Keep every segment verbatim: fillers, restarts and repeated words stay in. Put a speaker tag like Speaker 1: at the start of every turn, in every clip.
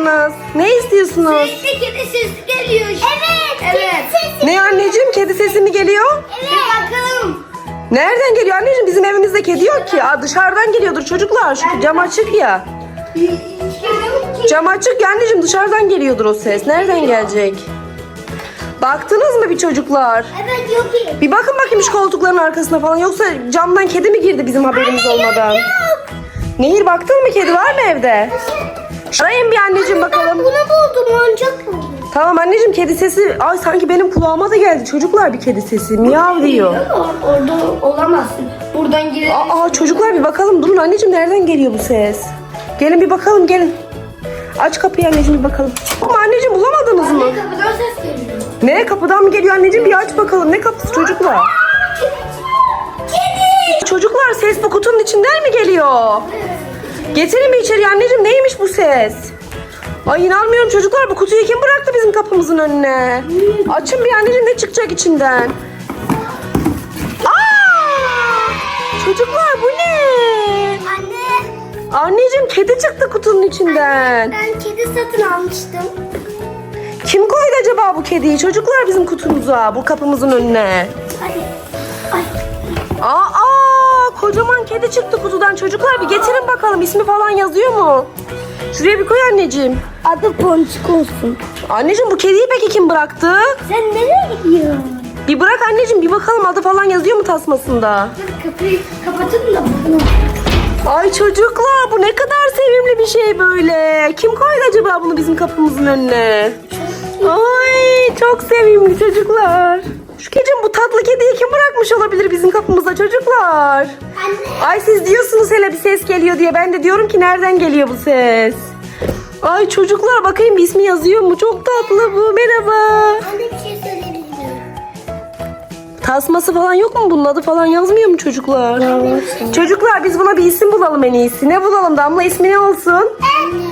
Speaker 1: istiyorsanız. Ne istiyorsunuz?
Speaker 2: Sürekli kedi sesi geliyor. Evet. Evet. Kedi sesi.
Speaker 1: Ne anneciğim, kedi sesi mi geliyor?
Speaker 2: Evet. Bir bakalım.
Speaker 1: Nereden geliyor anneciğim? Bizim evimizde kedi yok ki. Aa, dışarıdan geliyordur çocuklar. Şu cam açık ya. Cam açık ya anneciğim, dışarıdan geliyordur o ses. Nereden gelecek? Baktınız mı bir çocuklar?
Speaker 2: Evet yok ki.
Speaker 1: Bir bakın bakayım şu koltukların arkasına falan. Yoksa camdan kedi mi girdi bizim haberimiz olmadan?
Speaker 2: Yok.
Speaker 1: Nehir, baktın mı, kedi var mı evde? Arayın bir anneciğim bakalım.
Speaker 2: Bunu buldum, oyuncak buldum.
Speaker 1: Tamam anneciğim, kedi sesi. Ay sanki benim kulağıma da geldi çocuklar, bir kedi sesi. Miyav diyor.
Speaker 2: Orada olamazsın. Buradan girelim.
Speaker 1: Aa çocuklar bir bakalım. Durun anneciğim, nereden geliyor bu ses? Gelin bir bakalım, gelin. Aç kapıyı anneciğim, bir bakalım. Ama anneciğim bulamadınız mı?
Speaker 2: Anne, kapıdan ses geliyor.
Speaker 1: Ne, kapıdan mı geliyor anneciğim? Bir aç bakalım. Ne kapısı çocuklar?
Speaker 2: Kedi.
Speaker 1: Çocuklar, ses bu kutunun içinden mi geliyor? Getirin mi içeri anneciğim? Neymiş bu ses? Ay inanmıyorum çocuklar, bu kutuyu kim bıraktı bizim kapımızın önüne? Açın bir anneciğim, ne çıkacak içinden? Aa! Çocuklar bu ne?
Speaker 2: Anne.
Speaker 1: Anneciğim, kedi çıktı kutunun içinden.
Speaker 2: Ben kedi satın almıştım.
Speaker 1: Kim koydu acaba bu kediyi çocuklar bizim kutumuza, bu kapımızın önüne?
Speaker 2: Ay. Ay.
Speaker 1: Aa, kocaman kedi çıktı kutudan çocuklar, bir getirin bakalım, ismi falan yazıyor mu? Şuraya bir koy anneciğim.
Speaker 2: Adı Ponçik olsun.
Speaker 1: Anneciğim, bu kediyi peki kim bıraktı?
Speaker 2: Sen nereye gidiyorsun?
Speaker 1: Bir bırak anneciğim, bir bakalım adı falan yazıyor mu tasmasında?
Speaker 2: Dur, kapıyı kapatın da bakalım.
Speaker 1: Ay çocuklar, bu ne kadar sevimli bir şey böyle. Kim koydu acaba bunu bizim kapımızın önüne? Ay çok sevimli çocuklar. Şu kecim, bu tatlı kediyi kim bırakmış olabilir bizim kapımıza çocuklar?
Speaker 2: Anne.
Speaker 1: Ay siz diyorsunuz hele bir ses geliyor diye. Ben de diyorum ki nereden geliyor bu ses? Ay çocuklar, bakayım bir ismi yazıyor mu? Çok tatlı bu. Merhaba.
Speaker 2: Anne bir şey söyleyebilir miyim?
Speaker 1: Tasması falan yok mu? Bunun adı falan yazmıyor mu çocuklar? Çocuklar, biz buna bir isim bulalım en iyisi. Ne bulalım Damla? İsmi ne olsun?
Speaker 2: Anne.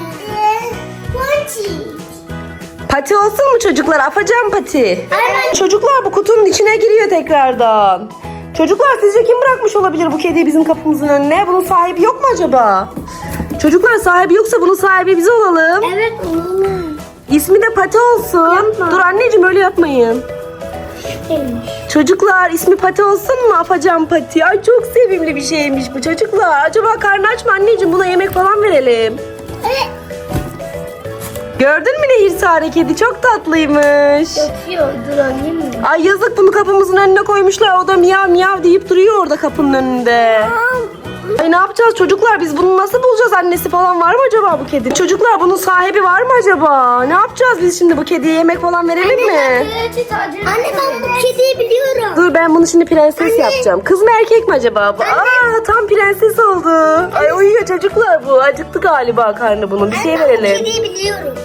Speaker 2: Ponçik.
Speaker 1: Pati olsun mu çocuklar? Afacan Pati.
Speaker 2: Aynen.
Speaker 1: Çocuklar, bu kutunun içine giriyor tekrardan. Çocuklar, sizce kim bırakmış olabilir bu kediyi bizim kapımızın önüne? Bunun sahibi yok mu acaba? Çocuklar, sahibi yoksa bunun sahibi biz olalım.
Speaker 2: Evet oğlum.
Speaker 1: İsmi de Pati olsun.
Speaker 2: Yapma.
Speaker 1: Dur anneciğim, öyle yapmayın.
Speaker 2: Neymiş?
Speaker 1: Çocuklar, ismi Pati olsun mu? Afacan Pati. Ay çok sevimli bir şeymiş bu çocuklar. Acaba karnı aç mı anneciğim? Buna yemek falan verelim.
Speaker 2: Evet.
Speaker 1: Gördün mü Nehir Sare, kedi çok tatlıymış.
Speaker 2: Yatıyor. Dur alayım mı?
Speaker 1: Ay yazık, bunu kapımızın önüne koymuşlar. O da miyav miyav deyip duruyor orada kapının önünde. Ay ne yapacağız çocuklar, biz bunu nasıl bulacağız? Annesi falan var mı acaba bu kedi? Çocuklar, bunun sahibi var mı acaba? Ne yapacağız biz şimdi, bu kediye yemek falan verelim mi?
Speaker 2: Anne ben bu kediyi biliyorum.
Speaker 1: Dur, ben bunu şimdi prenses yapacağım. Kız mı erkek mi acaba bu? Aa, tam prenses oldu. Ay uyuyor çocuklar bu. Acıktı galiba karnı bunun. Bir şey
Speaker 2: Ben bu
Speaker 1: verelim.
Speaker 2: kediyi biliyorum.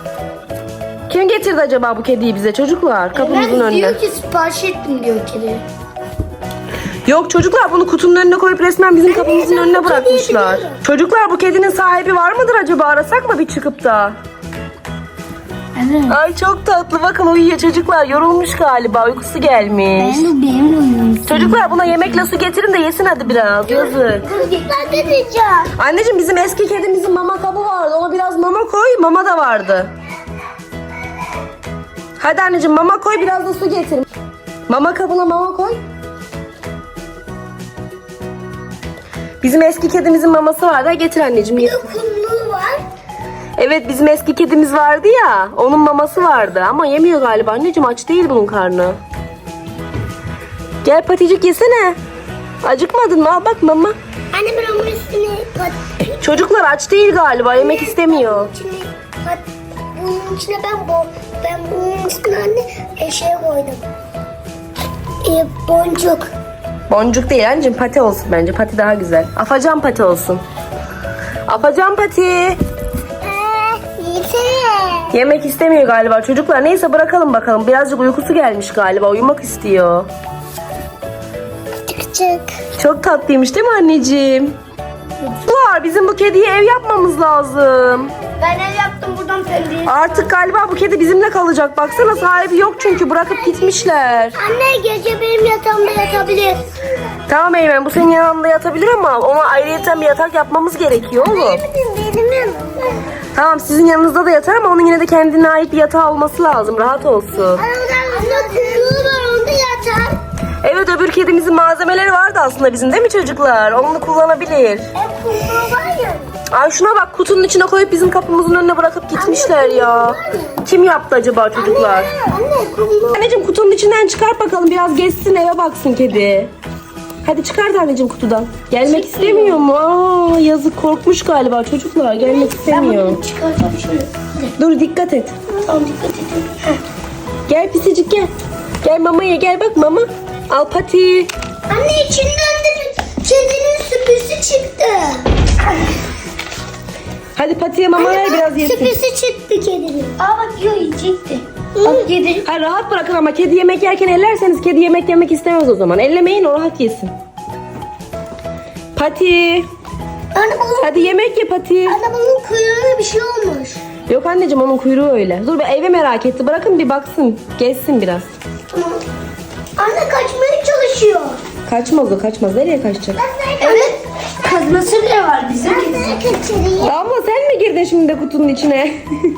Speaker 1: Kim getirdi acaba bu kediyi bize çocuklar? Kapımızın
Speaker 2: Ben
Speaker 1: önüne.
Speaker 2: diyor ki sipariş ettim diyor kedi.
Speaker 1: Yok çocuklar, bunu kutunun önüne koyup resmen bizim kapımızın
Speaker 2: ben
Speaker 1: önüne
Speaker 2: bu kediyi
Speaker 1: bırakmışlar.
Speaker 2: biliyorum.
Speaker 1: Çocuklar, bu kedinin sahibi var mıdır acaba? Arasak mı bir çıkıp da?
Speaker 2: Evet.
Speaker 1: Ay çok tatlı, bakın uyuyor çocuklar. Yorulmuş galiba, uykusu gelmiş.
Speaker 2: de benim oyunum.
Speaker 1: Çocuklar, buna yemekle su getirin de yesin hadi biraz. Yazık.
Speaker 2: Ben de diyeceğim.
Speaker 1: Anneciğim, bizim eski kedimizin mama kabı vardı. Ona biraz mama koy. Mama da vardı. Hadi anneciğim, mama koy, biraz da su getir. Mama kabına mama koy. Bizim eski kedimizin maması vardı. Getir anneciğim.
Speaker 2: Bir
Speaker 1: Ye.
Speaker 2: de kumlu var.
Speaker 1: Evet, bizim eski kedimiz vardı ya. Onun maması vardı ama yemiyor galiba. Anneciğim, aç değil bunun karnı. Gel Paticik, yesene. Acıkmadın mı? Al bak mama.
Speaker 2: Anne ben onun üstüne pat,
Speaker 1: Çocuklar aç değil galiba. Yemek istemiyor.
Speaker 2: içine pat, bunun içine ben bo, ben bunun üstüne anne e, şey koydum. E, boncuk.
Speaker 1: Boncuk değil anneciğim, pati olsun bence. Pati daha güzel. Afacan Pati olsun. Afacan Pati.
Speaker 2: Eee yesene.
Speaker 1: Yemek istemiyor galiba çocuklar. Neyse bırakalım bakalım. Birazcık uykusu gelmiş galiba. Uyumak istiyor.
Speaker 2: Çık çık.
Speaker 1: Çok tatlıymış değil mi anneciğim? Çocuklar, bizim bu kediye ev yapmamız lazım.
Speaker 2: Ben ev yaptım buradan penceresi.
Speaker 1: Artık galiba bu kedi bizimle kalacak. Baksana, sahibi yok çünkü bırakıp gitmişler.
Speaker 2: Anne gece benim yatağımda yatabilir.
Speaker 1: Tamam Eymen, bu senin yanında yatabilir ama ona ayrıyeten bir yatak yapmamız gerekiyor oğlum.
Speaker 2: Benim benim yanımda.
Speaker 1: Tamam, sizin yanınızda da yatar ama onun yine de kendine ait bir yatağı olması lazım. Rahat olsun.
Speaker 2: Anne kuyruğu var onda yatar.
Speaker 1: Evet, öbür kedimizin malzemeleri vardı aslında bizim, değil mi çocuklar? Onu kullanabilir.
Speaker 2: E kuyruğu var ya.
Speaker 1: Ay şuna bak, kutunun içine koyup bizim kapımızın önüne bırakıp gitmişler ya. Kim yaptı acaba çocuklar?
Speaker 2: Anne kuyruğu.
Speaker 1: Anneciğim kutunun içinden çıkart bakalım, biraz gezsin, eve baksın kedi. Hadi çıkart anneciğim kutudan. Gelmek istemiyor mu? Aa, yazık, korkmuş galiba çocuklar, gelmek istemiyor.
Speaker 2: Çıkartalım şöyle.
Speaker 1: Dur, dikkat et.
Speaker 2: Tamam dikkat edin. Heh.
Speaker 1: Gel pisicik gel. Gel mamaya gel, bak mama. Al Pati.
Speaker 2: Anne içinden de bir kedinin süpüsü çıktı.
Speaker 1: Hadi Pati'ye mama ver, biraz yesin.
Speaker 2: Süpüsü çıktı kedinin. Aa bak yiyor yiyecekti. Bak yedi.
Speaker 1: Ha, rahat bırakın ama kedi yemek yerken ellerseniz kedi yemek yemek istemez o zaman. Ellemeyin, o rahat yesin. Pati.
Speaker 2: Anne bunun,
Speaker 1: Hadi yemek ye Pati.
Speaker 2: anne bunun kuyruğuna bir şey olmuş.
Speaker 1: Yok anneciğim, onun kuyruğu öyle. Dur be, eve merak etti. Bırakın bir baksın. Gezsin biraz.
Speaker 2: Tamam. Anne kaçmaya çalışıyor.
Speaker 1: Kaçmaz o, kaçmaz. Nereye kaçacak?
Speaker 2: Evet. Kazması bile var bizim. Ben kaçırayım.
Speaker 1: Damla sen mi girdin şimdi de kutunun içine?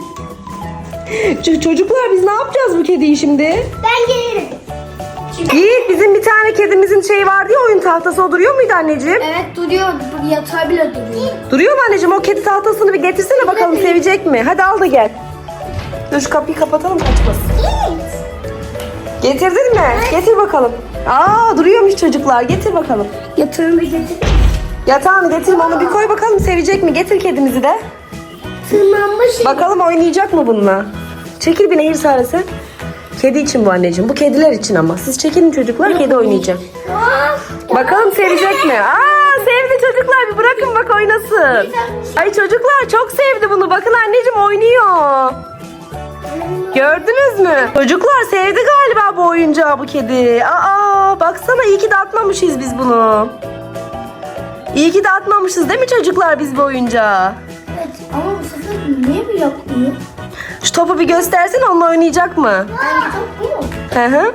Speaker 1: Ç- Çocuklar, biz ne yapacağız bu kediyi şimdi?
Speaker 2: Ben gelirim.
Speaker 1: Yiğit, bizim bir tane kedimizin şeyi vardı ya, oyun tahtası, o duruyor muydu anneciğim?
Speaker 2: Evet duruyor. Yatağı bile duruyor.
Speaker 1: Duruyor mu anneciğim? O kedi tahtasını bir getirsene bakalım, sevecek mi? Hadi al da gel. Dur şu kapıyı kapatalım, kaçmasın. Getirdin mi? Getir bakalım. Aa, duruyormuş çocuklar. Getir bakalım.
Speaker 2: Yatağını getir.
Speaker 1: Yatağını getirme, onu bir koy bakalım, sevecek mi? Getir kedimizi de.
Speaker 2: Tırmanmış.
Speaker 1: Bakalım oynayacak mı bununla? Çekil bir Nehir Sarısı. Kedi için bu anneciğim. Bu kediler için ama. Siz çekilin çocuklar, kedi oynayacak. Bakalım sevecek mi? Aa, sevdi çocuklar, bir bırakın bak oynasın. Ay çocuklar çok sevdi bunu. Bakın anneciğim oynuyor. Gördünüz mü? Çocuklar sevdi galiba bu oyuncağı, bu kedi. Aa, baksana, iyi ki de atmamışız biz bunu. İyi ki de atmamışız değil mi çocuklar biz bu oyuncağı?
Speaker 2: Evet ama bu sefer niye bir yapmıyor?
Speaker 1: Şu topu bir göstersin, onunla oynayacak mı?
Speaker 2: Hangi top bu mu?
Speaker 1: Hı hı.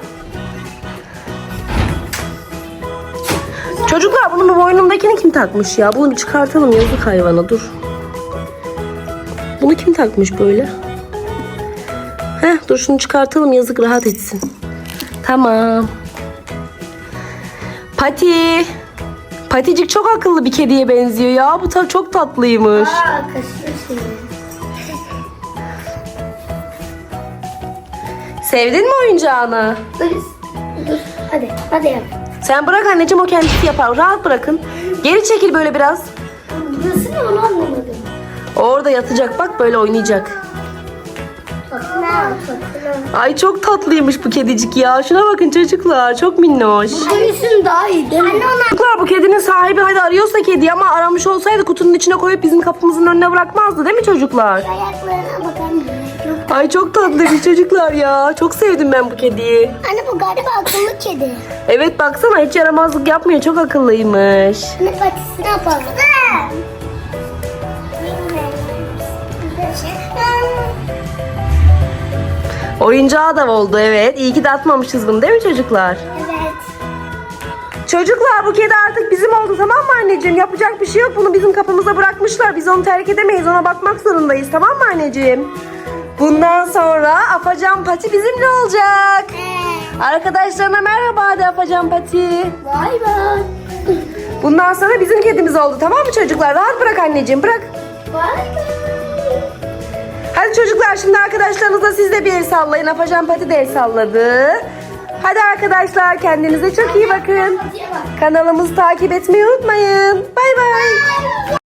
Speaker 1: Çocuklar, bunun bu boynundakini kim takmış ya? Bunu bir çıkartalım, yazık hayvana, dur. Bunu kim takmış böyle? Heh, dur şunu çıkartalım, yazık, rahat etsin. Tamam. Pati. Paticik çok akıllı bir kediye benziyor ya. Bu ta çok tatlıymış.
Speaker 2: Aa kaçıyor seni.
Speaker 1: Sevdin mi oyuncağını?
Speaker 2: Dur. Dur. Hadi. Hadi yap.
Speaker 1: Sen bırak anneciğim, o kendisi yapar. Rahat bırakın. Geri çekil böyle biraz.
Speaker 2: Burası ne onu anlamadım.
Speaker 1: Orada yatacak, bak böyle oynayacak.
Speaker 2: Bakına.
Speaker 1: Ay çok tatlıymış bu kedicik ya. Şuna bakın çocuklar, çok minnoş.
Speaker 2: Hangisi daha iyi değil mi? Anne ona.
Speaker 1: Çocuklar, bu kedinin sahibi hadi arıyorsa kedi, ama aramış olsaydı kutunun içine koyup bizim kapımızın önüne bırakmazdı değil mi çocuklar?
Speaker 2: Ayaklarına bakar mısın?
Speaker 1: Ay çok tatlıymış çocuklar ya. Çok sevdim ben bu kediyi.
Speaker 2: Anne bu galiba akıllı kedi.
Speaker 1: Evet baksana, hiç yaramazlık yapmıyor, çok akıllıymış.
Speaker 2: Anne patisini yapalım.
Speaker 1: Oyuncağı da oldu, evet. İyi ki de atmamışız bunu değil mi çocuklar?
Speaker 2: Evet.
Speaker 1: Çocuklar, bu kedi artık bizim oldu, tamam mı anneciğim? Yapacak bir şey yok, bunu bizim kapımıza bırakmışlar. Biz onu terk edemeyiz, ona bakmak zorundayız, tamam mı anneciğim? Bundan sonra Afacan Pati bizimle olacak. Arkadaşlarına merhaba de Afacan Pati.
Speaker 2: Bay bay.
Speaker 1: Bundan sonra bizim kedimiz oldu, tamam mı çocuklar? Rahat bırak anneciğim, bırak.
Speaker 2: Bay bay.
Speaker 1: Hadi çocuklar, şimdi arkadaşlarınızla siz de bir el sallayın. Afacan Pati de el salladı. Hadi arkadaşlar, kendinize çok iyi bakın. Kanalımızı takip etmeyi unutmayın. Bay bay.